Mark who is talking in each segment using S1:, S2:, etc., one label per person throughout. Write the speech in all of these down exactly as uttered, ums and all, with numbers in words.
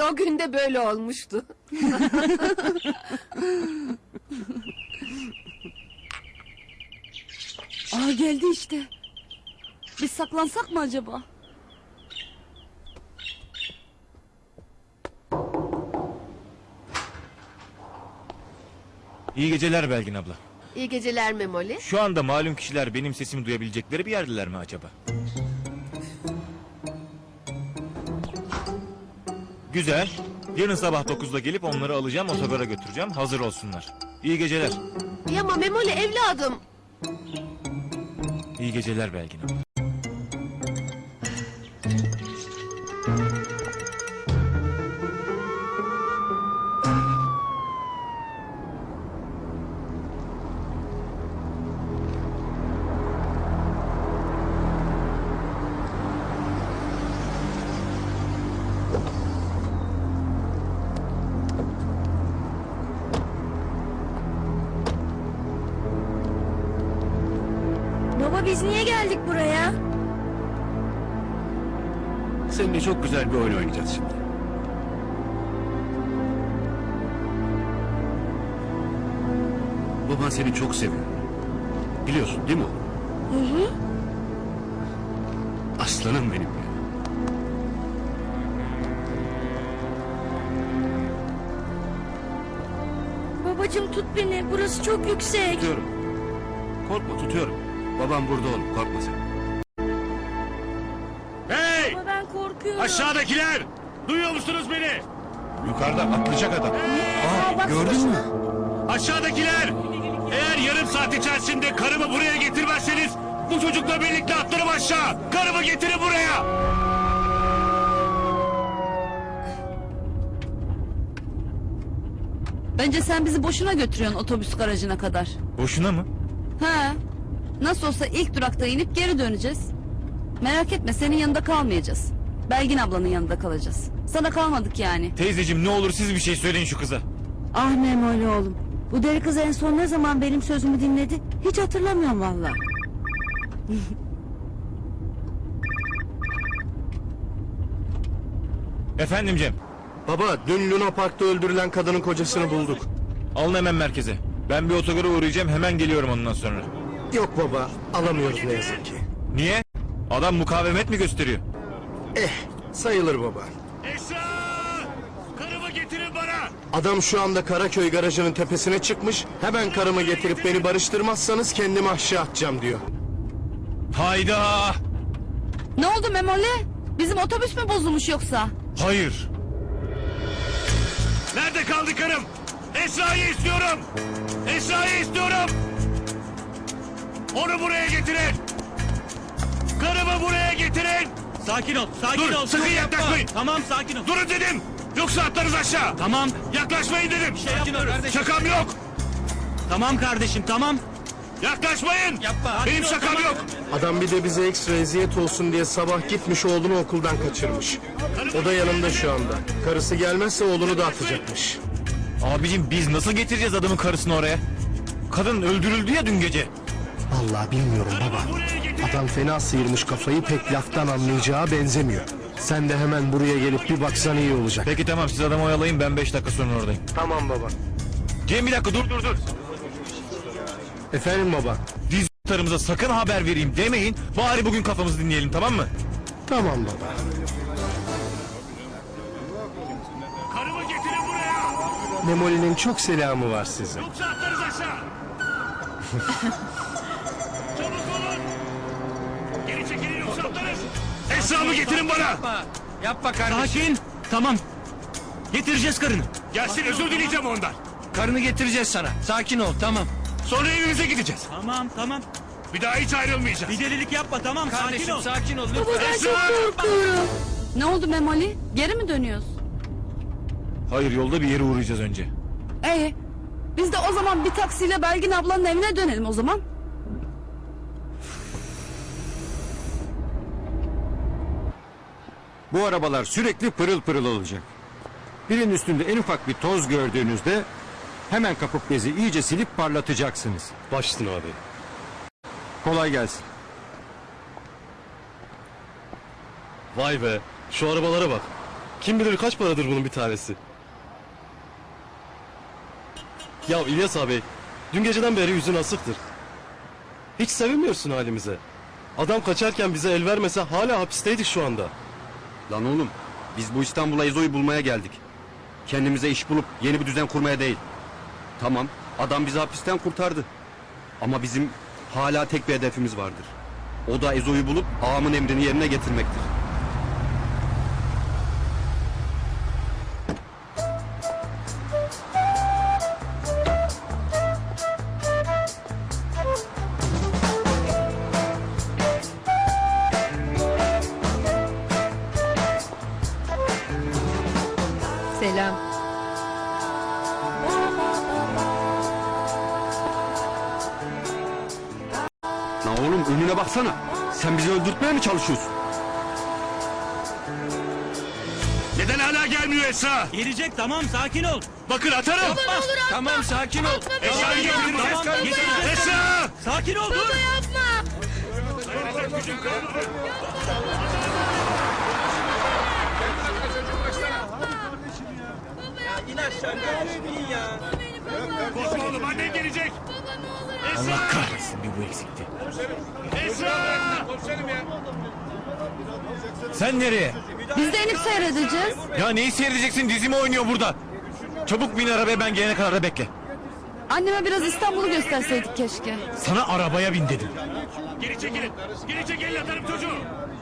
S1: o gün de böyle olmuştu.
S2: Aa, geldi işte. Biz saklansak mı acaba?
S3: İyi geceler Belgin abla.
S1: İyi geceler Memoli.
S3: Şu anda malum kişiler benim sesimi duyabilecekleri bir yerdeler mi acaba? Güzel. Yarın sabah dokuzda gelip onları alacağım, otogara götüreceğim. Hazır olsunlar. İyi geceler.
S1: Ya ama Memoli evladım.
S3: İyi geceler Belgin abla.
S2: Baba, biz niye geldik buraya?
S4: Seninle çok güzel bir oyun oynayacağız şimdi. Baban seni çok seviyor. Biliyorsun değil mi oğlum?
S2: Hı hı.
S4: Aslanım benim ya.
S2: Babacığım, tut beni. Burası çok yüksek.
S4: Tutuyorum. Korkma, tutuyorum. Babam burada oğlum, korkma sen. Hey!
S2: Ama ben korkuyorum.
S4: Aşağıdakiler! Duyuyor musunuz beni?
S3: Yukarıda atlayacak adam.
S2: Aa, bak,
S4: Gördün mü? Aşağıdakiler! Eğer yarım saat içerisinde karımı buraya getirmezseniz bu çocukla birlikte atlarım aşağı! Karımı getirin buraya!
S2: Bence sen bizi boşuna götürüyorsun otobüs garajına kadar.
S3: Boşuna mı?
S2: He. Nasıl olsa ilk durakta inip geri döneceğiz. Merak etme, senin yanında kalmayacağız. Belgin ablanın yanında kalacağız. Sana kalmadık yani.
S3: Teyzeciğim ne olur siz bir şey söyleyin şu kıza.
S5: Ah Memoli oğlum. Bu deli kız en son ne zaman benim sözümü dinledi? Hiç hatırlamıyorum vallahi.
S3: Efendim Cem.
S6: Baba, dün Luna Park'ta öldürülen kadının kocasını bulduk.
S3: Alın hemen merkeze. Ben bir otogara uğrayacağım, hemen geliyorum ondan sonra.
S6: Yok baba, alamıyoruz ne yazık ki.
S3: Niye? Adam mukavemet mi gösteriyor?
S6: Eh, sayılır baba.
S4: Esra! Karımı getirin bana!
S6: Adam şu anda Karaköy garajının tepesine çıkmış. Hemen karımı getirip beni barıştırmazsanız kendimi aşağı atacağım diyor.
S3: Hayda!
S2: Ne oldu Memoli? Bizim otobüs mü bozulmuş yoksa?
S3: Hayır.
S4: Nerede kaldı karım? Esra'yı istiyorum! Esra'yı istiyorum! Onu buraya getirin! Karımı buraya getirin!
S7: Sakin ol, sakin
S4: Dur,
S7: ol.
S4: sakın
S7: dur,
S4: yaklaşmayın.
S7: yapma. Tamam, sakin ol.
S4: Durun dedim! Yoksa atlarız aşağı!
S7: Tamam,
S4: Yaklaşmayın dedim!
S7: şey yapma kardeşim.
S4: Şakam yok!
S7: Tamam kardeşim, tamam.
S4: Yaklaşmayın!
S7: Yapma. sakin
S4: Benim
S7: ol,
S4: şakam
S7: tamam.
S4: yok!
S6: Adam bir de bize ekstra eziyet olsun diye sabah gitmiş oğlunu okuldan kaçırmış. O da yanımda şu anda. Karısı gelmezse oğlunu da atacakmış.
S3: Abicim biz nasıl getireceğiz adamın karısını oraya? Kadın öldürüldü ya dün gece.
S6: Vallahi bilmiyorum baba. Adam fena sıyırmış kafayı, pek laftan anlayacağı benzemiyor. Sen de hemen buraya gelip bir baksan iyi olacak.
S3: Peki tamam siz adamı oyalayın, ben beş dakika sonra oradayım.
S6: Tamam baba.
S3: Cem bir dakika dur dur dur.
S6: Efendim baba.
S3: Diztarımıza sakın haber vereyim demeyin. Bari bugün kafamızı dinleyelim, tamam mı?
S6: Tamam baba.
S4: Karımı getirin buraya!
S6: Memoli'nin çok selamı var size.
S4: Yoksa atlarız aşağı! Çabuk olun! Geri çekilin yoksa atlarız! Esra'mı getirin bana!
S7: Yapma, yapma kardeşim. Sakin, tamam. Getireceğiz karını.
S4: Gelsin, özür dileyeceğim ondan.
S7: Karını getireceğiz sana. Sakin ol, tamam.
S4: Sonra evimize gideceğiz.
S7: Tamam, tamam.
S4: Bir daha hiç ayrılmayacağız.
S7: Bir delilik yapma, tamam. Kardeşim, sakin ol. Sakin ol, lütfen.
S2: Baba, ben
S4: Esra!
S2: çok korkuyorum. Ne oldu Memoli? Geri mi dönüyoruz?
S3: Hayır, yolda bir yere uğrayacağız önce.
S2: Ee, biz de o zaman bir taksiyle Belgin ablanın evine dönelim o zaman.
S8: Bu arabalar sürekli pırıl pırıl olacak. Birinin üstünde en ufak bir toz gördüğünüzde hemen kapıp bezi iyice silip parlatacaksınız.
S6: Başsın abi.
S8: Kolay gelsin.
S6: Vay be, şu arabalara bak.
S9: Kim bilir kaç paradır bunun bir tanesi. Ya İlyas abi, dün geceden beri yüzün asıktır. Hiç sevinmiyorsun halimize. Adam kaçarken bize el vermese hala hapisteydik şu anda.
S10: Lan oğlum, biz bu İstanbul'a Ezo'yu bulmaya geldik. Kendimize iş bulup yeni bir düzen kurmaya değil. Tamam, adam bizi hapisten kurtardı. Ama bizim hala tek bir hedefimiz vardır. O da Ezo'yu bulup ağamın emrini yerine getirmektir.
S1: Selam.
S10: Lan oğlum önüne baksana. Sen bizi öldürtmeye mi çalışıyorsun?
S4: Neden hala gelmiyor Esra?
S7: Gelecek tamam sakin ol.
S4: Bakın atarım.
S7: Tamam sakin ol.
S4: Esra'yı getirin.
S7: Tamam, getireceğiz.
S4: Esra!
S7: Sakin ol dur.
S4: Korkma oğlum annen gelecek.
S3: Allah kahretsin bir bu eksikti.
S4: Esra!
S3: Sen nereye?
S2: Biz de inip seyredeceğiz.
S3: Ya neyi seyredeceksin, dizimi oynuyor burada. Çabuk bin arabaya, ben gelene kadar da bekle.
S2: Anneme biraz İstanbul'u gösterseydik keşke.
S3: Sana arabaya bin dedim.
S4: Geri çekilin. Geri çekilin atarım çocuğu.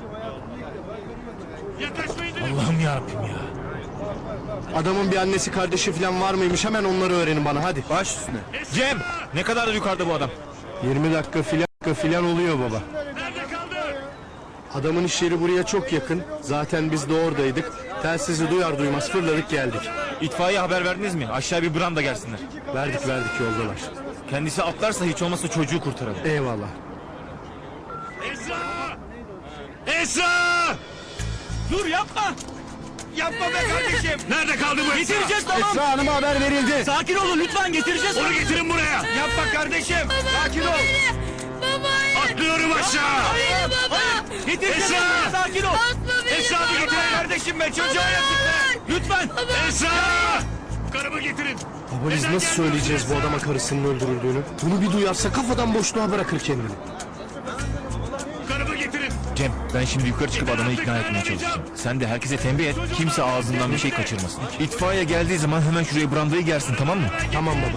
S4: Yaklaşmayın dedim.
S3: Allah'ım yarabbim ya.
S6: Adamın bir annesi kardeşi falan var mıymış, hemen onları öğrenin bana hadi.
S10: Baş üstüne.
S3: Cem, ne kadardır yukarıda bu adam?
S6: yirmi dakika filan filan oluyor baba.
S4: Nerede kaldı?
S6: Adamın iş yeri buraya çok yakın. Zaten biz de oradaydık. Telsizi duyar duymaz fırladık geldik.
S3: İtfaiye haber verdiniz mi? Aşağı bir branda gelsinler.
S6: Verdik verdik yoldalar.
S3: Kendisi atlarsa hiç olmazsa çocuğu kurtaralım.
S6: Eyvallah.
S4: Esra! Esra!
S7: Dur yapma. Yapma be kardeşim.
S4: Nerede kaldı bu Esra?
S7: Getireceğiz tamam.
S6: Esra Hanım'a haber verildi.
S7: Sakin olun lütfen getireceğiz.
S4: Onu getirin buraya.
S7: Yapma kardeşim. Sakin ol.
S4: Atlıyorum aşağı.
S7: Getireceğiz.
S4: Esra!
S7: Sakin ol.
S4: Esra bir getirin.
S7: Kardeşim be çocuğa yazık be. Lütfen.
S4: Esra! Karımı getirin.
S6: Baba biz
S4: Neden
S6: nasıl
S4: gelmiyorsun
S6: söyleyeceğiz bu
S4: Esra?
S6: adama karısının öldürüldüğünü? Bunu bir duyarsa kafadan boşluğa bırakır kendini.
S4: Karımı getirin.
S3: Cem, ben şimdi yukarı çıkıp adamı ikna etmeye çalışacağım. Sen de herkese tembih et, kimse ağzından bir şey kaçırmasın. İtfaiye geldiği zaman hemen şuraya brandayı gersin, tamam mı?
S6: Tamam baba.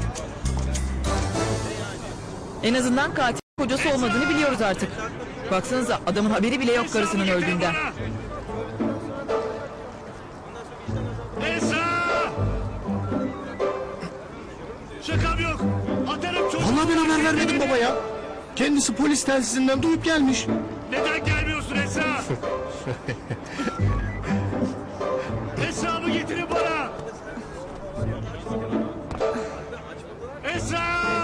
S11: En azından katil kocası olmadığını biliyoruz artık. Baksanıza adamın haberi bile yok karısının öldüğünden.
S4: Esra! Şakam yok. Atarım çocuğu.
S6: Vallahi ben haber vermedim baba ya. Kendisi polis telsizinden duyup gelmiş.
S4: Neden gelmiyorsun Esra? Esra'mı getirin bana. Esra!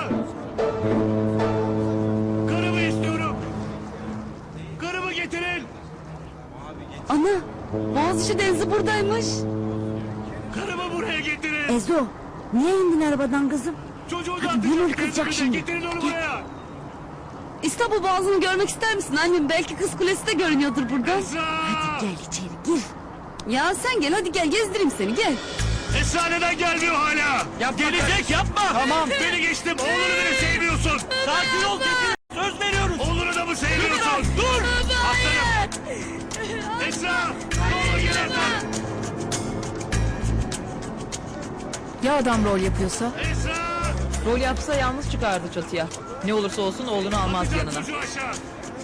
S4: Karımı istiyorum. Karımı getirin.
S2: Ana, Boğaziçi Denizi buradaymış.
S4: Karımı buraya getirin.
S5: Ezo, niye indin arabadan kızım?
S4: Çocuğu
S5: Hadi
S4: da
S5: Gönül kızacak şimdi.
S4: Getirin onu buraya.
S2: İstanbul Boğazı'nı görmek ister misin annem? Belki Kız Kulesi de görünüyordur buradan.
S4: Esra!
S5: Gel içeri gir.
S2: Ya sen gel hadi gel gezdireyim seni gel.
S4: Esra neden gelmiyor hala?
S7: Yap gelecek yapma. Tamam.
S4: Beni geçtim. Oğlunu beni sevmiyorsun.
S7: Sakin ol getir. Söz veriyoruz.
S4: Oğlunu da mı sevmiyorsun?
S7: Dur.
S4: Aslanım. Esra! Ne olur gel artık.
S11: Ya adam rol yapıyorsa?
S4: Esra!
S11: Rol yapsa yalnız çıkardı çatıya. Ne olursa olsun oğlunu almaz
S4: Atacağım
S11: yanına.
S4: çocuğu aşağı.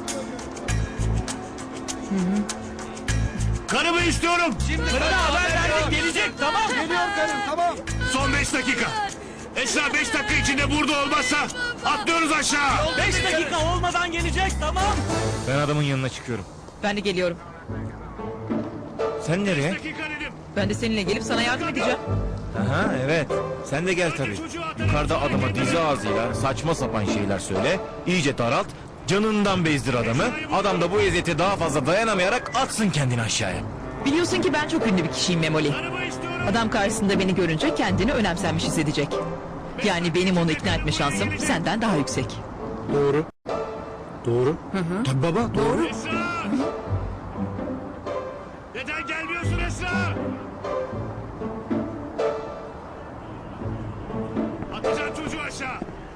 S4: Karımı istiyorum.
S7: Karına haber verdik gelecek tamam. Geliyor karım tamam.
S4: Son beş dakika. Esra beş dakika içinde burada olmazsa atlıyoruz aşağı.
S7: Beş dakika olmadan gelecek tamam.
S3: Ben adamın yanına çıkıyorum.
S11: Ben de geliyorum.
S3: Sen nereye?
S4: Dakika dedim.
S11: Ben de seninle gelip sana yardım edeceğim.
S3: Aha evet. Sen de gel tabii. Yukarıda adama dizi ağzıyla saçma sapan şeyler söyle. İyice daralt. Canından bezdir adamı. Adam da bu eziyete daha fazla dayanamayarak atsın kendini aşağıya.
S11: Biliyorsun ki ben çok ünlü bir kişiyim Memoli.
S4: Karımı istiyorum.
S11: Adam karşısında beni görünce kendini önemsenmiş hissedecek. Yani benim onu ikna etme şansım senden daha yüksek.
S6: Doğru. Doğru. Tabii baba doğru.
S4: Esra! Neden gelmiyorsun Esra? Atacağım çocuğu aşağı.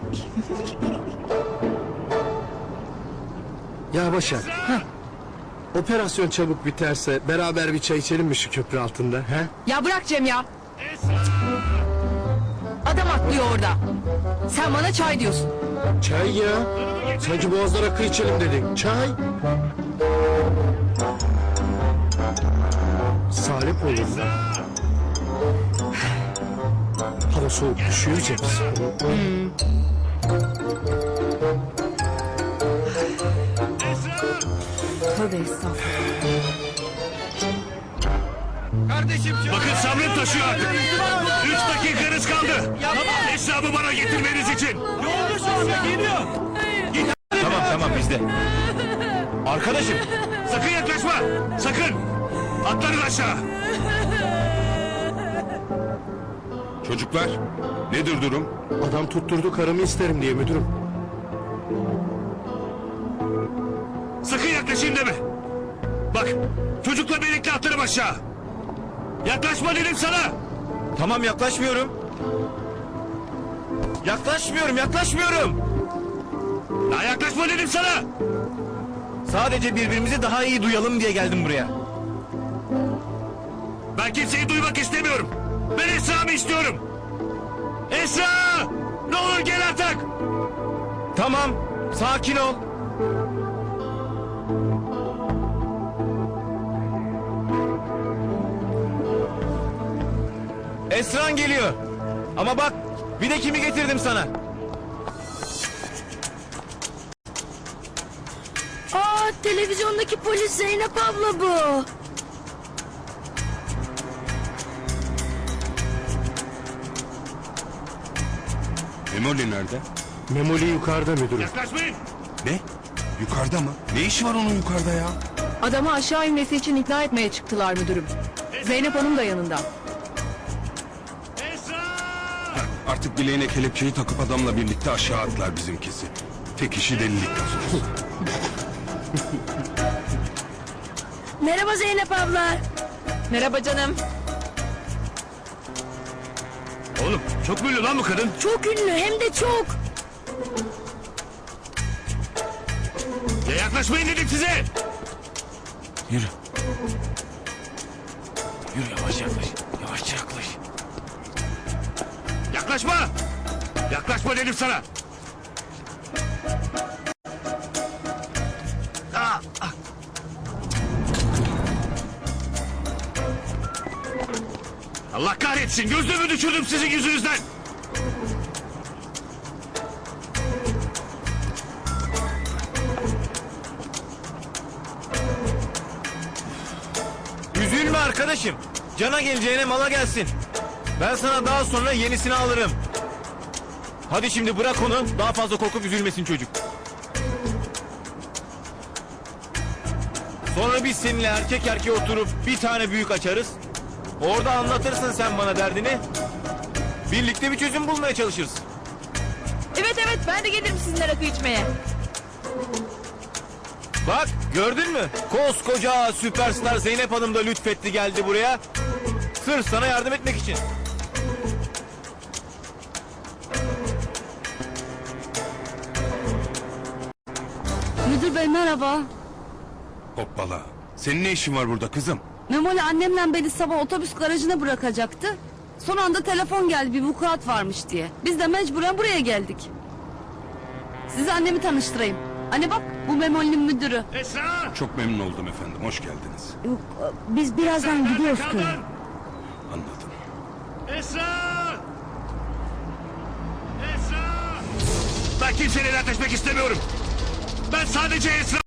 S6: Ya Başak,
S4: Esra!
S6: operasyon çabuk biterse beraber bir çay içelim mi şu köprü altında? He?
S11: Ya bırak Cem ya.
S4: Esra!
S11: Adam atlıyor orada. Sen bana çay diyorsun.
S6: Çay ya. Sanki boğazlara rakı içelim dedin. Çay. Salep olur mu? Hava soğuk düşüyor Cem.
S4: Esra!
S11: Tövbe estağfurullah.
S3: Kardeşim
S4: Bakın sabrım taşıyor artık. Üç dakikanız kaldı. Hesabı bana getirmeniz için.
S7: Yolda şu anda geliyor.
S3: Tamam tamam bizde. Arkadaşım
S4: Sakın yaklaşma. Sakın. Atlarız aşağı.
S12: Çocuklar, nedir durum?
S6: Adam tutturdu karımı isterim diye müdürüm.
S4: Sakın yaklaşayım deme. Bak çocukla birlikte atlarım aşağı. Yaklaşma dedim sana.
S3: tamam yaklaşmıyorum. Yaklaşmıyorum yaklaşmıyorum.
S4: Ya yaklaşma dedim sana.
S3: Sadece birbirimizi daha iyi duyalım diye geldim buraya.
S4: Ben kimseyi duymak istemiyorum. Ben Esra'mı istiyorum. Esra! Ne olur gel artık.
S3: Tamam sakin ol. Esran geliyor. Ama bak bir de kimi getirdim sana.
S5: Aa, televizyondaki polis Zeynep abla bu.
S12: Memoli nerede?
S6: Memoli yukarıda müdürüm.
S4: Yaklaşmayın.
S12: Ne? Yukarıda mı? Ne işi var onun yukarıda ya?
S11: Adamı aşağı inmesi için ikna etmeye çıktılar müdürüm. Zeynep Hanım da yanında.
S4: Esra!
S12: Artık bileğine kelepçeyi takıp adamla birlikte aşağı atlar bizimkisi. Tek işi delilik.
S5: Merhaba Zeynep abla.
S11: Merhaba canım.
S4: Oğlum çok mu ünlü lan bu kadın?
S5: Çok ünlü hem de çok.
S4: Ya yaklaşmayın dedim size.
S3: Yürü. Yürü yavaş yaklaş. Yavaş yaklaş.
S4: Yaklaşma. Yaklaşma dedim sana. Ah, ah. Allah kahretsin gözlüğümü düşürdüm sizin yüzünüzden.
S3: Üzülme arkadaşım. Cana geleceğine mala gelsin. Ben sana daha sonra yenisini alırım. Hadi şimdi bırak onu. Daha fazla korkup üzülmesin çocuk. Sonra biz seninle erkek erkeğe oturup bir tane büyük açarız. Orada anlatırsın sen bana derdini. Birlikte bir çözüm bulmaya çalışırız.
S11: Evet evet ben de gelirim sizinle rakı içmeye.
S3: Bak gördün mü? Koskoca süperstar Zeynep Hanım da lütfetti geldi buraya. Sırf sana yardım etmek için.
S2: Müdür bey merhaba.
S12: Hoppala. Senin ne işin var burada kızım?
S2: Memoli annemle beni sabah otobüs garajına bırakacaktı. Son anda telefon geldi bir vukuat varmış diye. Biz de mecburen buraya geldik. Size annemi tanıştırayım. Anne bak bu Memoli'nin müdürü.
S4: Esra!
S12: Çok memnun oldum efendim. Hoş geldiniz.
S5: Yok, biz birazdan
S4: Nerede
S5: gidiyoruz
S4: kaldın?
S5: köye.
S12: Anladım.
S4: Esra! Esra! Ben kimseyle dertleşmek istemiyorum. Ben sadece Esra...